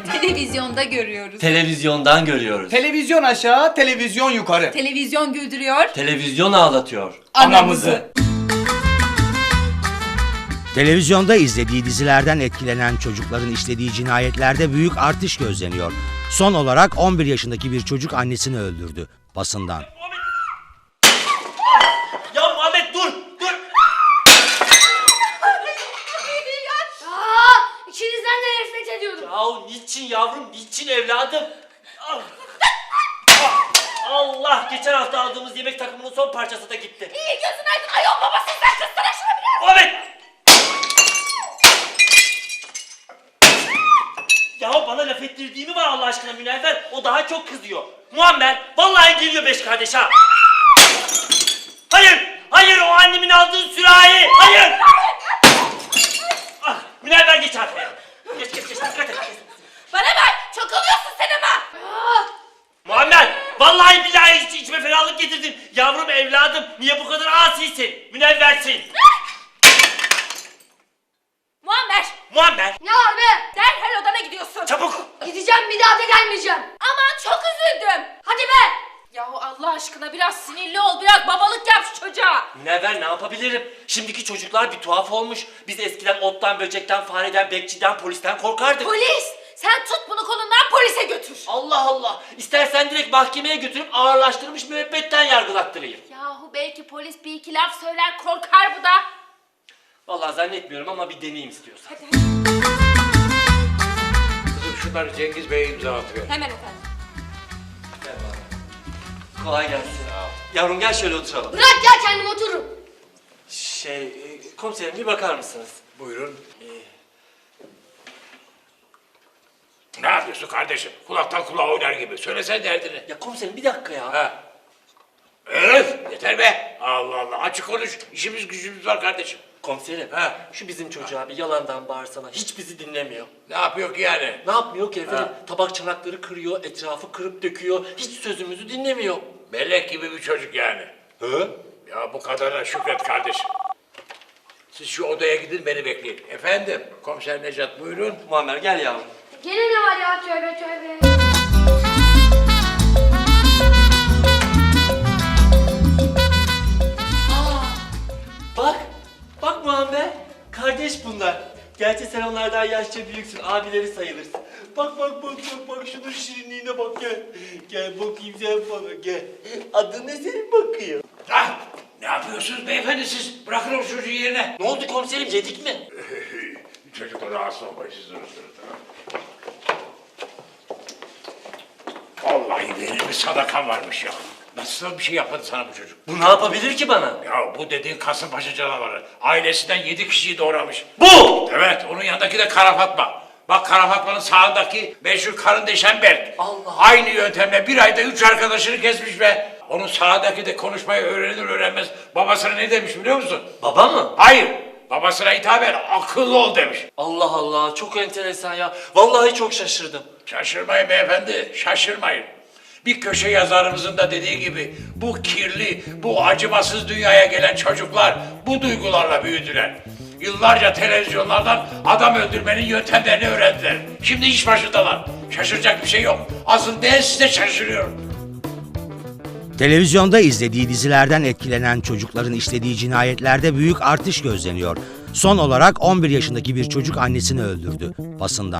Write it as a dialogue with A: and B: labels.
A: Televizyonda görüyoruz.
B: Televizyondan görüyoruz.
C: Televizyon aşağı, televizyon yukarı.
A: Televizyon güldürüyor.
B: Televizyon ağlatıyor.
C: Anamızı.
D: Televizyonda izlediği dizilerden etkilenen çocukların işlediği cinayetlerde büyük artış gözleniyor. Son olarak 11 yaşındaki bir çocuk annesini öldürdü. Basından.
B: Ya Muhammed dur! Dur!
E: İçinizden de nefret ediyordum.
B: Yahu niçin yavrum, niçin evladım? Ah! Allah! Geçen hafta aldığımız yemek takımının son parçası da gitti.
E: İyi gözün aydın ayol babasın sen kızsana şunu biraz.
B: Muhammed! Yahu bana laf ettirdiği mi var Allah aşkına Münevver? O daha çok kızıyor. Muammer, vallahi geliyor beş kardeş ha! Hayır! Hayır, o annemin aldığı sürahi! Hayır! Ah, Münevver geç arkaya. Geç, dikkat et.
E: Bana bak çok oluyorsun sen ama.
B: Muammer, vallahi billahi içime ferahlık getirdin. Yavrum evladım, niye bu kadar asisin? Münevversin. Muammer,
E: Ne var be? Derhal odana gidiyorsun.
B: çabuk!
E: Gideceğim bir daha da gelmeyeceğim. Aman çok üzüldüm. Hadi be. Yahu Allah aşkına biraz sinirli ol, biraz babalık yap şu çocuğa.
B: Münevver ne yapabilirim? Şimdiki çocuklar bir tuhaf olmuş. Biz eskiden ottan, böcekten, fareden, bekçiden, polisten korkardık.
E: Polis, sen tut bunu kolundan polise götür.
B: Allah Allah! İstersen direkt mahkemeye götürüp ağırlaştırmış müebbetten yargılattırayım.
E: Yahu belki polis bir iki laf söyler korkar bu da.
B: Vallahi zannetmiyorum ama bir deneyim istiyorsan.
F: Kızım şunları Cengiz Bey'e imza atıyor.
E: Hemen efendim.
B: Kolay gelsin. Yavrum gel şöyle oturalım.
E: Bırak ya kendim otururum.
B: Komiserim bir bakar mısınız?
F: Buyurun. Ne yapıyorsun kardeşim? Kulaktan kulağa oynar gibi. Söylesen derdini.
B: Ya komiserim bir dakika ya.
F: Ha. Öf! Yeter be! Allah Allah! Açık konuş. İşimiz gücümüz var kardeşim.
B: Komiserim,
F: Ha.
B: şu bizim çocuğa bir yalandan bağırsana. Hiç bizi dinlemiyor.
F: Ne yapıyor ki yani?
B: Ne yapmıyor ki efendim?
F: Ha.
B: Tabak çanakları kırıyor, etrafı kırıp döküyor. Hiç sözümüzü dinlemiyor.
F: Melek gibi bir çocuk yani.
B: Hı?
F: Ya bu kadarına şükret kardeşim. Siz şu odaya gidin beni bekleyin. Efendim, komiser Necat buyurun.
B: Muammer gel yavrum.
E: Gene ne var ya tövbe tövbe.
B: Bak Muammer. Kardeş bunlar. Gerçi sen onlardan yaşça büyüksün, abileri sayılırsın. Bak şunun şirinliğine bak gel. Gel bakayım sen bana gel. Adın ne senin bakıyor?
F: Ah! Ne yapıyorsunuz beyefendi siz? Bırakın o çocuğu yerine.
B: Ne oldu komiserim, yedik mi?
F: Çocuklar rahatsız olmayın siz durun. Vallahi benim bir sadakam varmış ya. Nasıl bir şey yapmadı sana bu çocuk?
B: Bu ne yapabilir ki bana?
F: Ya bu dediğin Kasımpaşa canavarı. Ailesinden 7 kişiyi doğramış.
B: Bu!
F: Evet, onun yanındaki de Kara Fatma. Bak Kara Fatma'nın sağındaki meşhur karın deşen Berk.
B: Allah!
F: Aynı yöntemle bir ayda 3 arkadaşını kesmiş be. Onun sağındaki de konuşmayı öğrenir öğrenmez babasına ne demiş biliyor musun?
B: Baba mı?
F: Hayır, babasına hitaben akıllı ol demiş.
B: Allah Allah, çok enteresan ya. Vallahi çok şaşırdım.
F: Şaşırmayın beyefendi, şaşırmayın. Bir köşe yazarımızın da dediği gibi bu kirli, bu acımasız dünyaya gelen çocuklar bu duygularla büyüdüler. Yıllarca televizyonlardan adam öldürmenin yöntemlerini öğrendiler. Şimdi iş başındalar. Şaşıracak bir şey yok. Asıl ben size şaşırıyorum.
D: Televizyonda izlediği dizilerden etkilenen çocukların işlediği cinayetlerde büyük artış gözleniyor. Son olarak 11 yaşındaki bir çocuk annesini öldürdü. Basından.